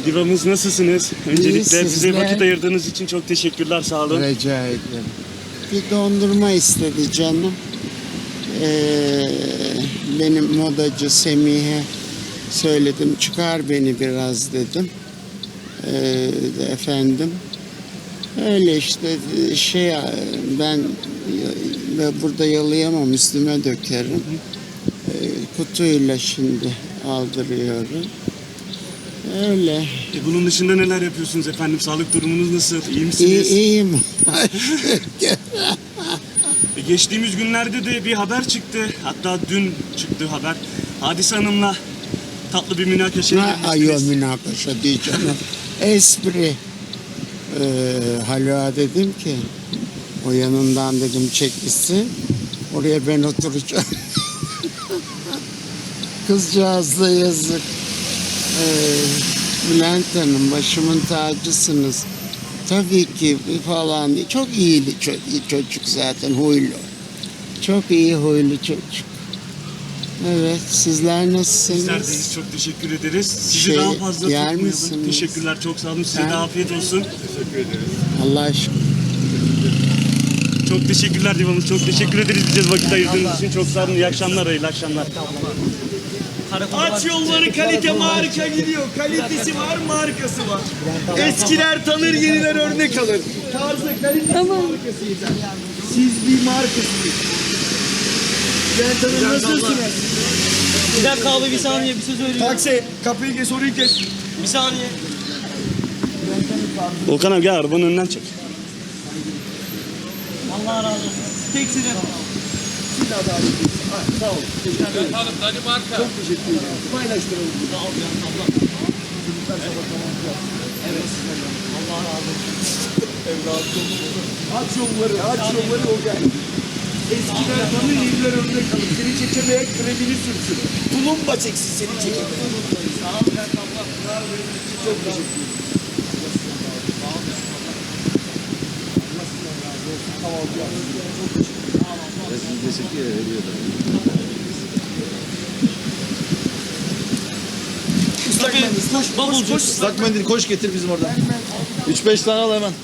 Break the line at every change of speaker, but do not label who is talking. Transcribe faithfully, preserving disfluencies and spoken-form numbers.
Divamız nasılsınız? Öncelikle
İyi,
bize
sizler?
vakit ayırdığınız için çok teşekkürler, sağ olun.
Rica ederim. Bir dondurma istedi canım. Ee, benim modacı Semih'e söyledim, çıkar beni biraz dedim. Ee, efendim. Öyle işte şey ben ve burada yalayamam, üstüme dökerim. Ee, kutuyla şimdi aldırıyorum. Öyle.
E, bunun dışında neler yapıyorsunuz efendim? Sağlık durumunuz nasıl? İyi misiniz?
İyi, iyiyim.
E, geçtiğimiz günlerde de bir haber çıktı. Hatta dün çıktı haber. Hadise Hanım'la tatlı bir münakaşaya
Ne ayol
girmiştiniz.
münakaşa diyeceğim. Espri. Ee, Haluk'a dedim ki o yanından dedim çekilsin. Oraya ben oturacağım. Kızcağız da yazık. Ee, Bülent Hanım başımın tacısınız. Tabii ki falan. Çok iyi bir çocuk, çocuk zaten, huylu. Çok iyi huylu çocuk. Evet, sizler nasılsınız?
Bizlerdeyiz, çok teşekkür ederiz. Sizi
Şey,
daha fazla
yer
tutmayalım.
misiniz?
Teşekkürler, çok sağ olun. Size
Ha?
de afiyet olsun.
Allah aşkına.
Çok teşekkürler Divamız, çok teşekkür ederiz bize vakit ayırdığınız için. Çok sağ olun, iyi akşamlar, hayırlı akşamlar.
Aç yolları, kalite marka gidiyor. Kalitesi var, markası var. Eskiler tanır, yeniler örnek alır. Tarzı kalitesi markasıyız. Siz bir markasınız. Ben tanır, nasılsınız?
Bir dakika abi, bir saniye, bir söz söyleyeyim.
Taksi, kapıyı kes, soruyu kes.
Bir saniye.
Volkan abi gel arabanın önünden çek.
Allah razı olsun. Tek sıra.
Sağ olun. Çok teşekkür ederim. Paylaştıralım.
Sağ ol ya, abla. Evet. Allah razı olsun.
Evladım. Aç yolları, aç yolları o gel. Eskiler tanır, yeniler örnek alır. Seni çekemeyen kremini sürsün. Tulumba çeksin seni çekemeyen.
Sağ ol ya, abla.
Çok teşekkür ederim. Islak mendil, koş, koş,
Bavulcu.
koş.
Islak mendil koş getir bizim oradan. üç beş tane al hemen.